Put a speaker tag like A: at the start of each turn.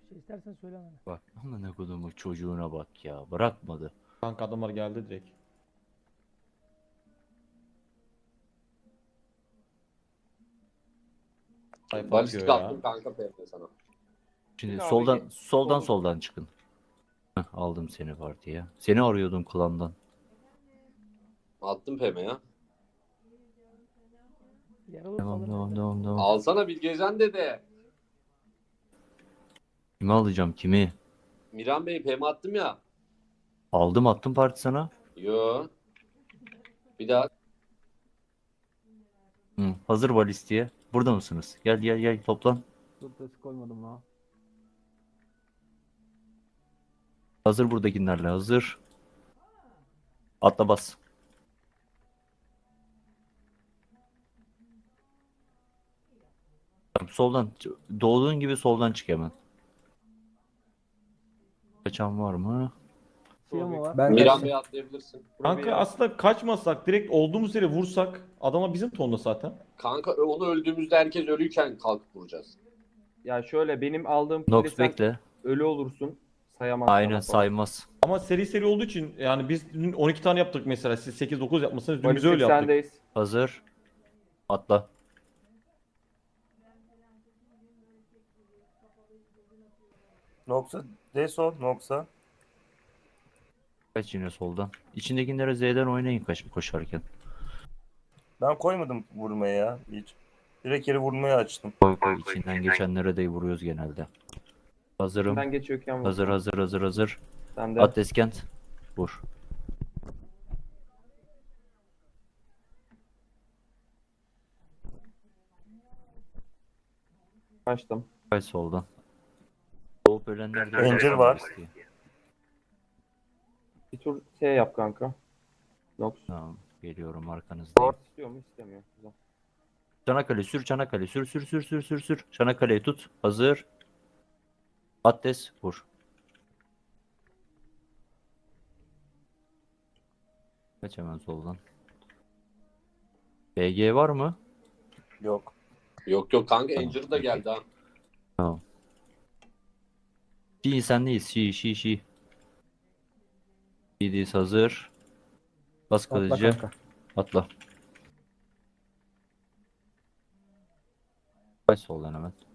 A: Bir şey istersen söyle bana.
B: Bak amına kodumun çocuğuna bak ya. Bırakmadı.
C: Kanka adamlar geldi direkt. Sayfa
D: Balistik
C: atıyor ya.
D: attım kanka PM sana.
B: Şimdi
E: Abi,
B: soldan çıkın. Heh, aldım seni partiye. Seni arıyordum klandan.
D: Attım PM ya.
A: Yaralı
B: Devam
A: falan.
B: devam devam devam.
D: Alsana Bilgecan dede.
B: Kimi alacağım kimi?
D: Miran Bey PM attım ya.
B: Aldım attım parti sana.
D: Yo. Bir daha.
B: Hı, hazır balistiğe. Burada mısınız? Gel gel gel toplan.
A: Dur test koymadım ha.
B: Hazır buradakilerle hazır. Atla bas. Tamam, soldan doğduğun gibi soldan çık hemen. Kaçan var mı?
A: Siyah mı var?
E: Ben
D: Miran
E: kaçtım.
D: Bey atlayabilirsin.
C: Kanka aslında kaçmasak direkt olduğumuz yere vursak adama bizim tonda zaten.
D: Kanka onu öldüğümüzde herkes ölüyken kalkıp vuracağız.
E: Ya şöyle benim aldığım
B: Nox
E: kili sen
B: bekle.
E: ölü olursun. Sayamazsın.
B: Aynen
E: falan.
B: saymaz.
C: Ama seri olduğu için yani biz dün 12 tane yaptık mesela. Siz 8-9 yapmışsınız. Dün biz
E: Balistik
C: öyle yaptık.
E: sendeyiz.
B: Hazır. Atla.
F: Noxa. Deso. Noxa.
B: Kaç yine soldan. İçindekilere Z'den oynayın koşarken.
F: Ben koymadım vurmaya ya hiç. Direkt yeri vurmaya açtım.
B: Koy koy. İçinden geçenlere de vuruyoruz genelde. Hazırım.
E: Ben geçiyorken vur.
B: Hazır.
E: Sen de.
B: At Eskent. Vur.
E: Kaçtım.
B: Kaç soldan. Doğup ölenler de
F: Ranger var.
E: Bir tur şey yap kanka. Nox.
B: Tamam. Geliyorum arkanızdayım.
E: Ward istiyor mu? İstemiyor. Güzel.
B: Çanakkale sür Çanakkale. Sür. Çanakkale'yi tut. Hazır. Attes vur. Kaç hemen soldan. BG var mı?
F: Yok.
D: Yok kanka
B: Tamam,
D: Angel'ı da geldi ha.
B: Tamam. Şii sendeyiz. Şii. Şii'deyiz hazır. Bas
E: Atla
B: kalıcı.
E: kanka.
B: Atla. Kaç soldan hemen.